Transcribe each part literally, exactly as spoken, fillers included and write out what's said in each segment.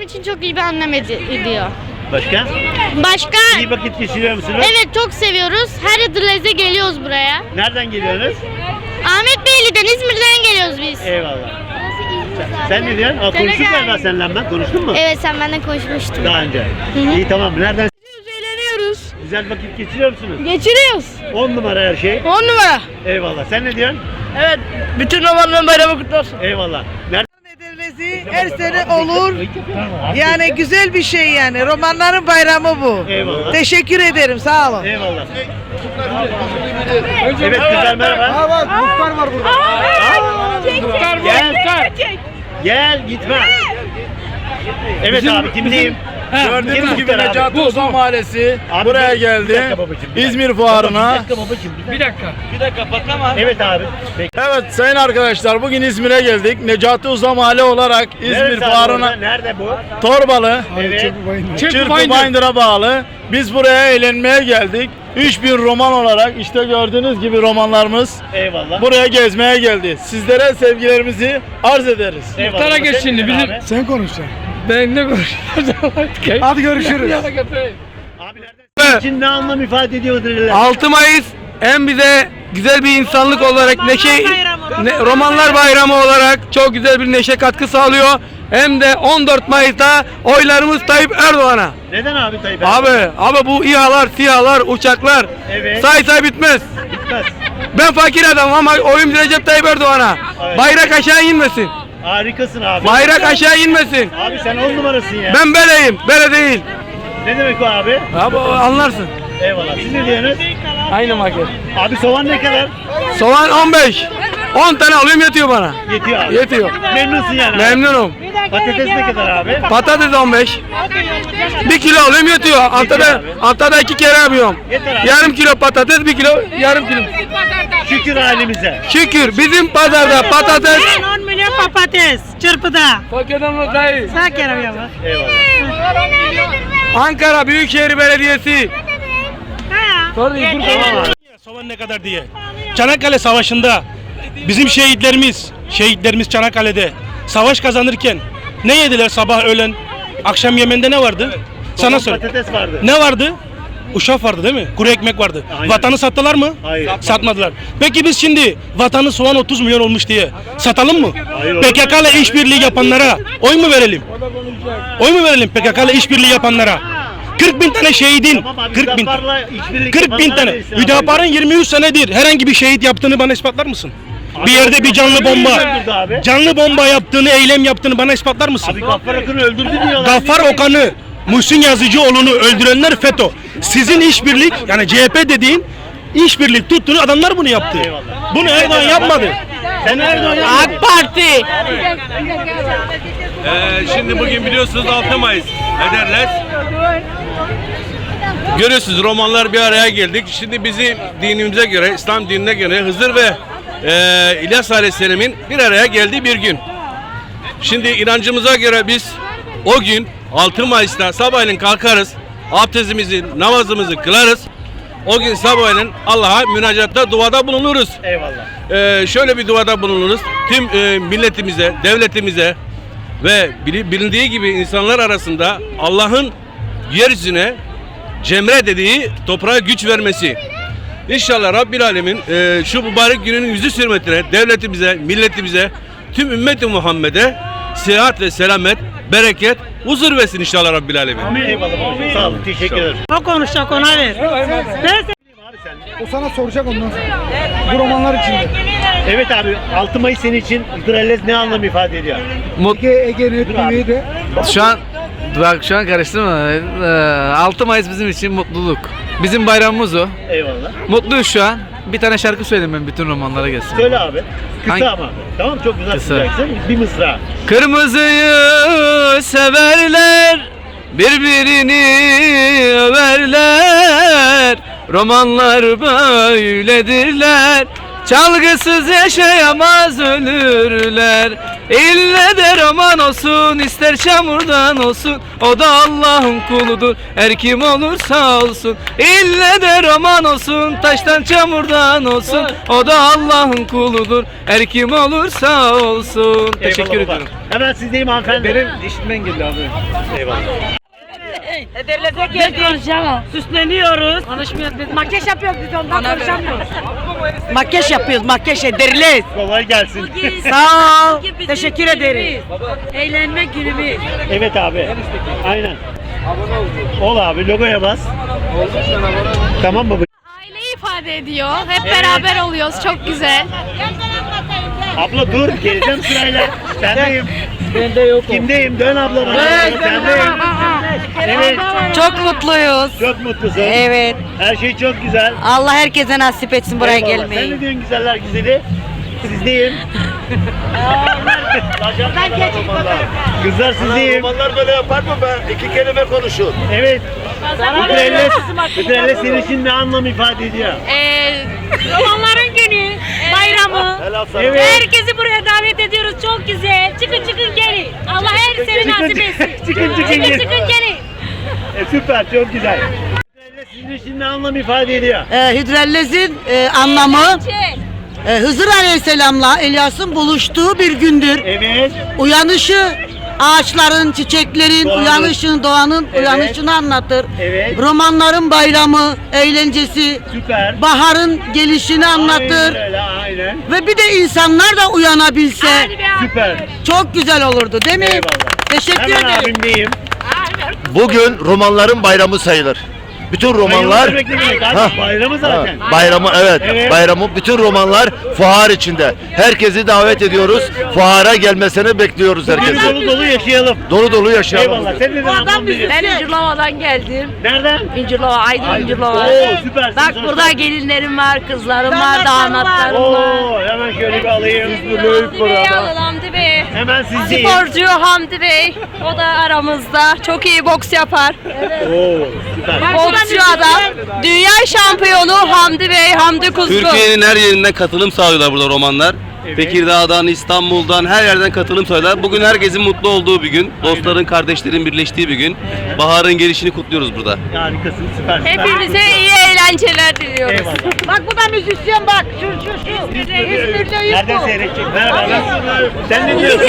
için çok iyi bir anlam ed- ediyor. Başka? Başka? İyi vakit geçiriyor musunuz? Evet, çok seviyoruz. Her Hıdrellez'e geliyoruz buraya. Nereden geliyorsunuz? Ahmet Beyli'den, İzmir'den geliyoruz biz. Eyvallah. Sen ne diyorsun? Aa, konuştuk galiba seninle ben. Konuştun mu? Evet, sen benden konuşmuştun. Daha önce. İyi tamam. Nereden? Eğleniyoruz. Güzel vakit geçiriyor musunuz? Geçiriyoruz. On numara her şey. On numara. Eyvallah. Sen ne diyorsun? Evet. Bütün romanların bayramı kutlu olsun. Eyvallah. Nereden? Edirnesi her sene olur. Yani güzel bir şey yani. Romanların bayramı bu. Eyvallah. Teşekkür ederim. Sağ olun. Eyvallah. Evet kızlar merhaba. Muhtar var burada. Gel. Gel gitme. Evet abi kimdeyim? Gördüğünüz gibi muhtar abi? Necati Ozan Mahallesi Abi, buraya bir- geldi. bir dakika babacığım, bir dakika. İzmir Baba, Fuarı'na. Bir dakika babacığım. Bir dakika. Bir dakika patlama. Evet abi. Peki. Evet sayın arkadaşlar bugün İzmir'e geldik. Necati Ozan Mahalle olarak İzmir Neresi abi Fuarı'na orada? Nerede bu? Torbalı, Evet. Çırpı Bayındır'a bağlı. Biz buraya eğlenmeye geldik. üç bin roman olarak işte gördüğünüz gibi romanlarımız Eyvallah. buraya gezmeye geldi. Sizlere sevgilerimizi arz ederiz. Eyvallah. Muhtara geç Sen şimdi, ne bizim- abi? Sen konuşacaksın. Ben ne konuşuyorum? Hadi görüşürüz. Abi nereden? için ne anlam ifade ediyor Hıdrellez? altı Mayıs hem bize güzel bir insanlık olarak neşe ne, romanlar bayramı olarak çok güzel bir neşe katkı sağlıyor. Hem de on dört Mayıs'ta oylarımız Tayyip Erdoğan'a. Neden abi Tayyip Abi, Erdoğan? abi bu İHA'lar, SİHA'lar, uçaklar Evet. say say bitmez. Bitmez. Ben fakir adamım ama oyum Recep Tayyip Erdoğan'a. Evet. Bayrak aşağı inmesin. Harikasın abi. Bayrak aşağı inmesin. Abi sen on numarasın ya. Ben beleyim, bele değil. Ne demek o abi? Abi anlarsın. Eyvallah. Siz ne diyorsunuz? Aynı market. Abi soğan ne kadar? Soğan on beş. on tane alıyorum yetiyor bana. Yetiyor abi. Yetiyor. Memnunsun yani abi. Memnunum. Patates ne kadar abi? Patates on beş. Bir kilo alıyorum yetiyor. Haftada, haftada iki kere yapıyorum. Yeter abi. Yarım kilo patates, bir kilo, yarım kilo. Şükür halimize. Şükür bizim pazarda patates. on milyon patates çırpıda. Fakirden dayı. Sağ kere ya. Eyvallah. Ankara Büyükşehir Belediyesi. Soğan ne kadar diye. Çanakkale Savaşı'nda bizim şehitlerimiz, şehitlerimiz Çanakkale'de savaş kazanırken ne yediler sabah öğlen akşam yemeğinde ne vardı? Soğan, Sana söyle. patates vardı. Ne vardı? Uşak vardı değil mi? Kuru ekmek vardı. Aynen. Vatanı sattılar mı? Hayır. Satmadılar. Peki biz şimdi vatanı soğan otuz milyon olmuş diye satalım mı? Hayır. P K K ile işbirliği yapanlara oy mu verelim? Oy mu verelim P K K ile işbirliği yapanlara? kırk bin tane şehidin, Tamam abi, kırk bin, Hüdapar'la işbirlik kırk bin yapanlara tane. verirsin abi. Hüdapar'ın yirmi üç senedir herhangi bir şehit yaptığını bana ispatlar mısın? Abi, Bir yerde bir canlı Gaffar'ı bomba, öldürdü abi. canlı bomba yaptığını, eylem yaptığını bana ispatlar mısın? Abi Gaffar Akın'ı öldürdü diyorlar. Gaffar Okan'ı, Muhsin Yazıcıoğlu'nu öldürenler FETÖ. Sizin işbirlik, yani C H P dediğin işbirlik tuttuğunu adamlar bunu yaptı. Eyvallah. Bunu Erdoğan yapmadı. Sen Erdoğan yapmadı. AK Parti. Ee, şimdi bugün biliyorsunuz altı Mayıs ederler. Görüyorsunuz romanlar bir araya geldik. Şimdi bizim dinimize göre, İslam dinine göre Hızır ve e, İlyas Aleyhisselam'ın bir araya geldiği bir gün. Şimdi inancımıza göre biz o gün altı Mayıs'ta sabahleyin kalkarız. Abdestimizi, namazımızı kılarız. O gün sabahleyin Allah'a münacatta, duada bulunuruz. Eyvallah. Ee, şöyle bir duada bulunuruz. Tüm e, milletimize, devletimize ve bili- bilindiği gibi insanlar arasında Allah'ın yeryüzüne cemre dediği toprağa güç vermesi. İnşallah Rabbil Alemin e, şu mübarek günün yüzü hürmetine devletimize, milletimize, tüm ümmeti Muhammed'e sıhhat ve selamet, bereket, huzur versin inşallah Rabbil Alemin. Amin. Eyvallah. Sağ olun. Teşekkür ederim. O konuşacak, ona ver. Ben O sana soracak ondan sonra. Bu romanlar içinde. Evet abi altı Mayıs senin için Hıdrellez ne anlam ifade ediyor? Ege Ege T V'de. Şu an bak şu an karıştırma. Ee, altı Mayıs bizim için mutluluk. Bizim bayramımız o. Eyvallah. Mutluyuz şu an. Bir tane şarkı söyleyeyim ben bütün romanlara gelsin. Söyle abi. Kısa Hangi- ama abi. Tamam çok güzel Kısa. tutacaksın. Bir mısra. Kırmızıyı severler, birbirini överler. Romanlar böyledirler, Çalgısız yaşayamaz ölürler. İlle de roman olsun, ister çamurdan olsun, o da Allah'ın kuludur, her kim olursa olsun. İlle de roman olsun, taştan çamurdan olsun, o da Allah'ın kuludur, her kim olursa olsun. Teşekkür Eyvallah baba. ederim. Hemen sizdeyim hanımefendi. Benim işitmen geldi abi. Eyvallah. Ederleze geldik. Süsleniyoruz. Konuşmuyoruz biz. Makyaj yapıyoruz biz ondan konuşamıyoruz. Makyaj yapıyoruz. Makyaj ederiz. Kolay gelsin. Sağ ol. Teşekkür ederiz. Eğlenme günümüz. Evet abi. Aynen. Ol abi, logoya bas. Tamam baba. Aileyi ifade ediyor. Hep beraber oluyoruz. Çok güzel. Abla dur, geleceğim sırayla. Sendeyim. Bende yok. Kimdeyim? Dön abla bana. Sendeyim. Evet. Çok mutluyuz. Çok mutlusun. Evet. Her şey çok güzel. Allah herkese nasip etsin buraya Eyvallah. Sen gelmeyi. ne diyorsun güzeller güzeli? Sizdeyim. Ben geçeyim Kızlar sizdeyim. Romanlar böyle yapar mı be? İki kelime konuşun. Evet. Hıdrellez, Hıdrellez senin için ne anlam ifade ediyor? Ee, Romanların günü, bayramı. Helal sana. Evet. Herkesi buraya davet ediyoruz. Çok güzel. Çıkın çıkın gelin. Allah her seni Çıkın, nasip etsin. çıkın, çıkın, çıkın, gelin. çıkın gelin. E, süper, çok güzel. Hıdrellez sizin için ne anlam ifade ediyor? Ee, Hidrellez'in e, anlamı e, Hızır Aleyhisselam'la İlyas'ın buluştuğu bir gündür. Evet. Uyanışı, ağaçların, çiçeklerin Doğanın. uyanışını, doğanın Evet. uyanışını anlatır. Evet. Romanların bayramı, eğlencesi, Süper. baharın gelişini anlatır. Aynen öyle, aynen. Ve bir de insanlar da uyanabilse Süper. çok güzel olurdu değil mi? Eyvallah. Teşekkür Hemen ederim. abimdeyim. Bugün romanların bayramı sayılır. Bütün romanlar Bayramı demek ne demek abi? Ha. Bayramı zaten. Ha, bayramı evet, Evet. bayramı bütün romanlar fuar içinde. Herkesi davet ediyoruz. Fuara gelmesini bekliyoruz Bugün herkesi. dolu dolu yaşayalım. Dolu dolu yaşayalım. Eyvallah. bugün. Sen neden anlam veriyorsun? Ben İncirlova'dan geldim. Nereden? İncirlova, Aydın Ay, İncirlova. Oo, süpersin. Bak Sana burada sor- gelinlerim var, kızlarım var, damatlarım var. Oo, hemen şöyle bir alayım. Hamdi Bey. Hemen sizdeyim. Sporcu Hamdi Bey. O da aramızda. Çok iyi boks yapar. Oo, süper. Boksçu adam. Dünya şampiyonu Hamdi Bey, Hamdi Kuzgun. Türkiye'nin her yerinden katılım sağlıyorlar burada romanlar. Evet. Tekirdağ'dan, İstanbul'dan her yerden katılım sağlıyorlar. Bugün herkesin mutlu olduğu bir gün. Dostların, kardeşlerin birleştiği bir gün. Baharın gelişini kutluyoruz burada. Harikasın, süpersin. Hepinize iyi eğlenceler diliyoruz. Eyvallah. Bak bu da müzisyen bak. Şu şu şu. İzmir'de Nereden seyredecek? Merhaba. nasılsın? Sen ne diyorsun?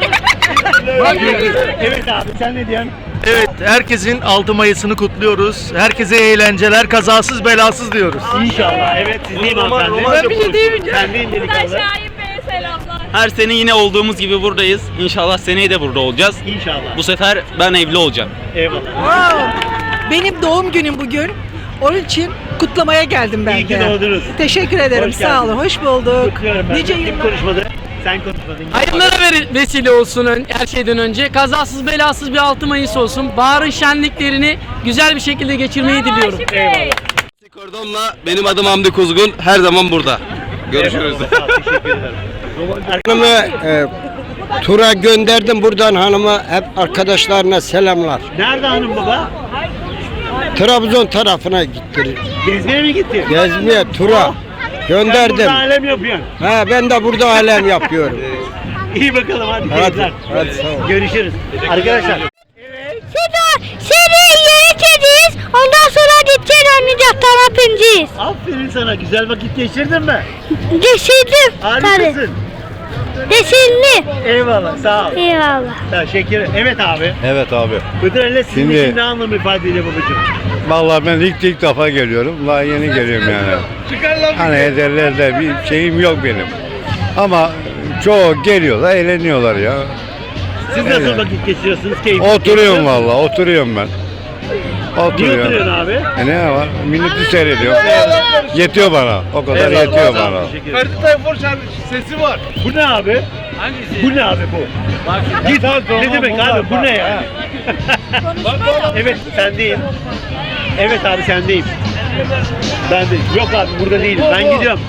Evet abi, sen ne diyorsun? Evet, herkesin altı Mayıs'ını kutluyoruz. Herkese eğlenceler, kazasız belasız diyoruz. İnşallah. Evet, sizdeyim Roman- hanımefendi. romanca Ben bir deyim. Sen de indirik alın. Şahin Bey'e selamlar. Her sene yine olduğumuz gibi buradayız. İnşallah seneye de burada olacağız. İnşallah. Bu sefer ben evli olacağım. Eyvallah. Benim doğum günüm bugün. Onun için kutlamaya geldim ben İyi ki de. doğdunuz. Teşekkür ederim. Hoş Sağ geldin. olun. Hoş bulduk. Kutluyorum ben. Nice Kim yıllar. konuşmadı? Sen konuşmadın. Hayırlara ver- vesile olsun ön- her şeyden önce. Kazasız belasız bir altı Mayıs olsun. Baharın şenliklerini güzel bir şekilde geçirmeyi diliyorum. Eyvallah. Kordon'la benim adım Hamdi Kuzgun. Her zaman burada. Görüşürüz. Eyvallah, sağ ol, teşekkür ederim. Hanımı e, tura gönderdim buradan hanıma hep arkadaşlarına selamlar. Nerede hanım baba? Trabzon tarafına gitti. Gezmeye mi gitti? Gezmeye tura Sen gönderdim. burada alem yapıyorsun. Ha ben de burada alem yapıyorum. İyi bakalım hadi. Hadi, keyifler. hadi, sağ ol. Görüşürüz. Arkadaşlar. Şimdi seni yöneteceğiz. Ondan sonra gideceğiz oynayacak. Tamam pinceyiz. Aferin sana. Güzel vakit geçirdin mi? Geçirdim. Harikasın. Geçirdim. Eyvallah. Sağ ol. Eyvallah. Teşekkür ederim. Evet abi. Evet abi. Hıdrellez sizin Şimdi- için ne anlam ifade ediyor babacığım? Vallahi ben ilk ilk defa geliyorum. Daha yeni geliyorum yani. Hani ederlerde bir şeyim yok benim. Ama çoğu geliyorlar, eğleniyorlar ya. Siz nasıl Evet. vakit geçiriyorsunuz? Keyif. Oturuyorum vallahi, oturuyorum ben. Niye Oturuyorum. oturuyorsun abi? E ne var? Milleti seyrediyorum. Yetiyor bana. O kadar Eyvallah, yetiyor sağ ol, bana. teşekkür ederim. Tayfur sesi var. Bu ne abi? Hangisi? Bu ne abi bu? Git. Ne demek abi? Bu ne ya? Evet sendeyim. Evet abi sendeyim. Ben de. Yok abi burada değilim. Ben gidiyorum.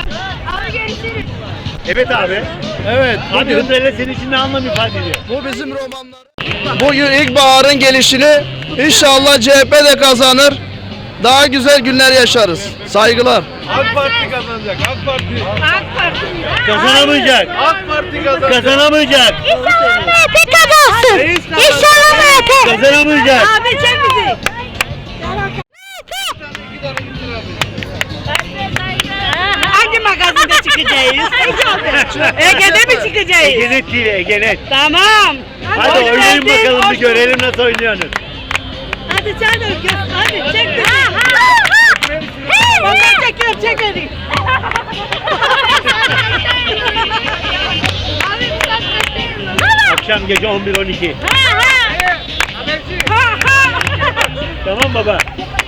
Evet abi. Evet. Abi Hıdrellez senin için ne anlam ifade ediyor? Bu bizim romanlar. Bugün ilkbaharın gelişini inşallah C H P de kazanır. daha güzel günler yaşarız. Saygılar. AK Parti kazanacak. AK Parti. Kazanamayacak. AK Parti kazanacak. Kazanamayacak. İnşallah M H P kazansın. İnşallah M H P. Kazanamayacak. Abi çek bizi. Hangi magazinde çıkacağız? Ege'de mi çıkacağız? Egenet T V, Egenet. Tamam. Hadi Hoş oynayın geldin, bakalım bir hoş görelim nasıl oynuyorsunuz. Hadi sen de gör. Hadi çek bizi. Baba çekiyor, çek hadi. Akşam gece on bir on iki. Tamam baba.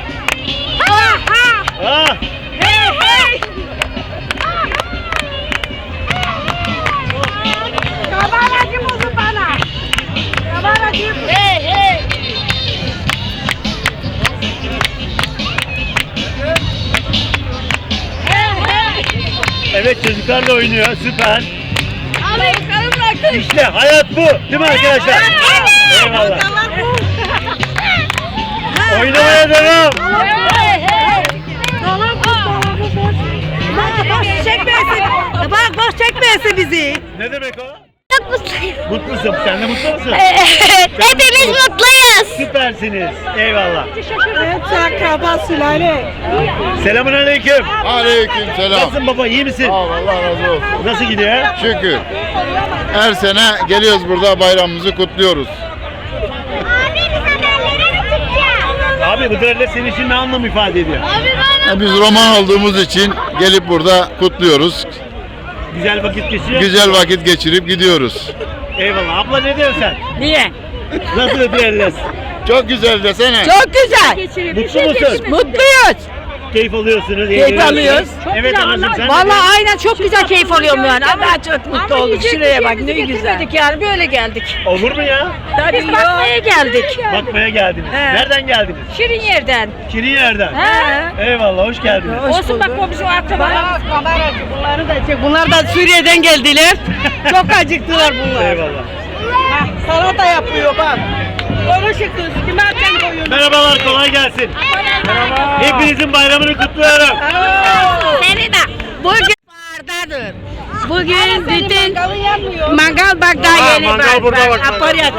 Ah. Kabaracı mısın bana? Kabaracı mısın? Hey hey. Evet çocuklarla oynuyor süper. Abi karım İşte hayat bu değil mi arkadaşlar? Eyvallah. Oynamaya devam. Dolap boş, dolabı boş. Bak boş çekmeyesin. Bak boş çekmeyesin bizi. Ne demek o? Çok mutluyum. Mutlusun. Sen de mutlu musun? Evet, hepimiz mutluyuz. Süpersiniz. Eyvallah. Evet akraba sülale. Selamun aleyküm. Aleyküm selam. Nasılsın baba? İyi misin? Allah razı olsun. Nasıl gidiyor? Şükür. Her sene geliyoruz burada bayramımızı kutluyoruz. Abi bu derler senin için ne anlam ifade ediyor? Biz roman olduğumuz için gelip burada kutluyoruz. Güzel vakit geçiyor. Güzel vakit geçirip gidiyoruz. Eyvallah. Abla ne diyorsun sen? Niye? Nasıl derler? Çok güzel desene. Çok güzel. Mutlu musun? Mutluyuz. Keyif alıyorsunuz. Keyif eğleniyorsunuz. alıyoruz. Evet anacığım sen Vallahi aynen çok güzel keyif alıyorum yani. Allah çok mutlu olduk. Şuraya bak ne güzel. Yani böyle geldik. Olur mu ya? Tabii biz bakmaya geldik. Bakmaya geldiniz. He. Nereden geldiniz? Şirin yerden. Şirin yerden. He. Eyvallah hoş geldiniz. Olsun bak o bizim akrabalarımız. Kameracı bunları da çek. Bunlar da Suriye'den geldiler. Çok acıktılar bunlar. Eyvallah. Salata yapıyor bak. Konuşun kız. Kime açan koyuyorsun? Merhabalar kolay gelsin. Merhaba. Hepinizin bayramını kutluyorum. Seni de. Bugün bardadır. Bugün bütün Mangal bak daha Aa, yeni mangal bak. burada bak. bak. Aparya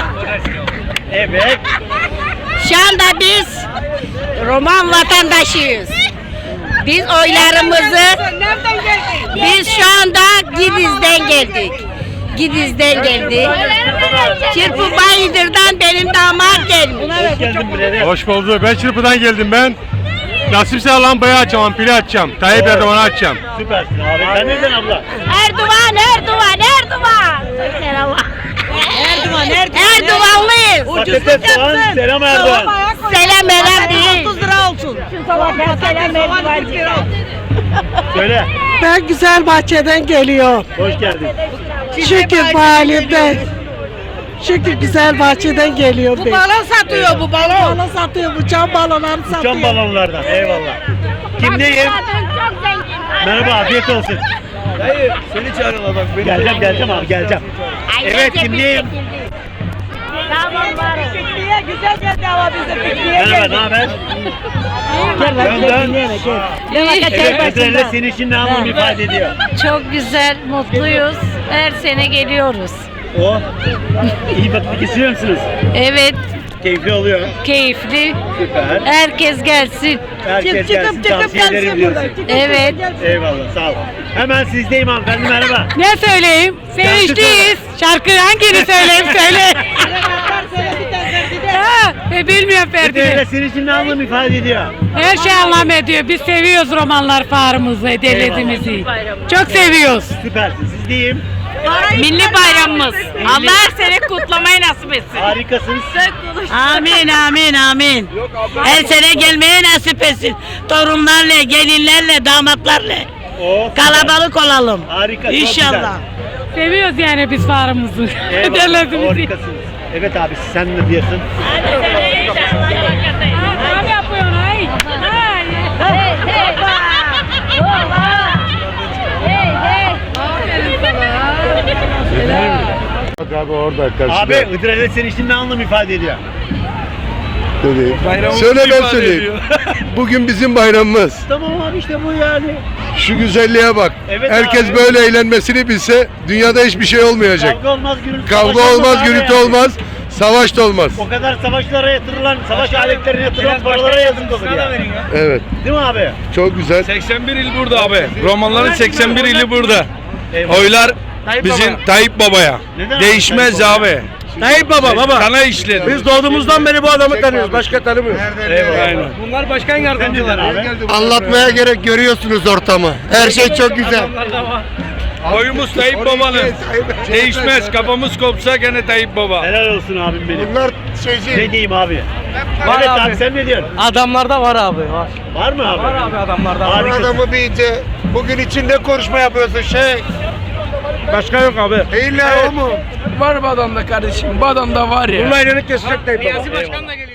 Evet. şu anda biz Roman vatandaşıyız. Biz oylarımızı Nereden geldin? biz şu anda Gidiz'den geldik. Gidiz'den geldik. Çırpı Bayındır'dan benim damat gelmiş. Hoş geldin birader. Hoş bulduk. Ben Çırpı'dan geldim ben. Nasipse lambayı açacağım, pili açacağım. Tayyip Erdoğan'ı açacağım. Süpersin abi. Sen nereden abla? Erdoğan, Erdoğan, Erdoğan. Selam. Erdoğan, Erdoğan. Erdoğanlıyız. Patates soğan selam Erdoğan. Selam selam değil. otuz lira olsun. Selam Erdoğan. Söyle. Ben güzel bahçeden geliyor. Hoş geldin. Şükür bu halimden. Şükür güzel bahçeden geliyor. Bu balon satıyor bu balon. Balon satıyor, bu cam balonları satıyor. Uçan balonlardan. Eyvallah. Kimdeyim? Çok zengin. Merhaba afiyet olsun. Dayı seni çağırıyorlar bak. Beni Geleceğim geleceğim abi geleceğim. Evet kimdeyim? Tamam var. Pikniğe güzel geldi ama bize pikniğe Merhaba ne geldi. haber? Gel bak Dön gel dön. Evet Ödrel'le senin için ne anlam ifade ediyor? Çok güzel, mutluyuz. Her sene geliyoruz. O. İyi vakit geçiriyor musunuz? Evet, Keyifli oluyor. keyifli. Süper. Herkes gelsin. Herkes Çıkıp gelsin çıkıp tavsiye ederim gelsin diyorsun. buradan. Çıkıp Evet. çıkıp gelsin. Eyvallah sağ ol. Hemen sizdeyim hanımefendi merhaba. Ne söyleyeyim? Sevinçliyiz. Şarkı hangini söyleyeyim söyle. Ha, e, bilmiyorum Ödrel'le senin için ne anlam ifade ediyor? Her şey anlam ediyor. Biz seviyoruz romanlar farımızı, devletimizi. Çok seviyoruz. Süpersin sizdeyim. Milli bayramımız. Allah her sene kutlamayı nasip etsin. Harikasınız. Amin amin amin. Her sene gelmeye nasip etsin. Torunlarla, gelinlerle, damatlarla. O. Kalabalık olalım. Harika. çok İnşallah. Seviyoruz yani biz farımızı. güzel. Eyvallah. Harikasınız. Evet abi sen ne diyorsun? Ne yapıyorsun ay? Hey hey. Hey hey. Bak abi orada karşıda. Abi Ödrel'le senin için ne anlam ifade ediyor? Dedi. Bayramımızı Söyle ben ifade söyleyeyim. ediyor. Bugün bizim bayramımız. Tamam abi işte bu yani. Şu güzelliğe bak. Evet Herkes abi. böyle eğlenmesini bilse dünyada hiçbir şey olmayacak. Kavga olmaz, gürültü Kavga savaş olmaz, abi gürültü yani. olmaz, savaş da olmaz. O kadar savaşlara yatırılan, savaş aletlerine yatırılan paralara yazık olur ya. Evet. Değil mi abi? Çok güzel. seksen bir il burada abi. Romanların seksen bir ili burada. Eyvallah. Oylar Tayyip bizim Baba. Tayyip Baba'ya. Neden abi Değişmez Tayyip Baba? abi. Tayyip Baba baba. Sana işledi. Biz doğduğumuzdan beri bu adamı tanıyoruz. Başka tanımıyoruz. Eyvallah. Aynen. Bunlar başkan yardımcıları. Anlatmaya gerek görüyorsunuz ortamı. Her şey çok güzel. Oyumuz Tayyip Baba'nın. Değişmez. Kafamız kopsa gene Tayyip Baba. Helal olsun abim benim. Bunlar şeyci. Ne diyeyim abi? Var evet abi. abi sen ne diyorsun? Adamlarda var abi var. Var mı abi? Var abi adamlarda. Var. Bu adamı bilince bugün için ne konuşma yapıyorsun şey? Başka yok abi. İlla o mu? Var bu adamda kardeşim. Bu adamda var ya. Bununla elini kesecek Tayyip Baba. Başkan da geliyor.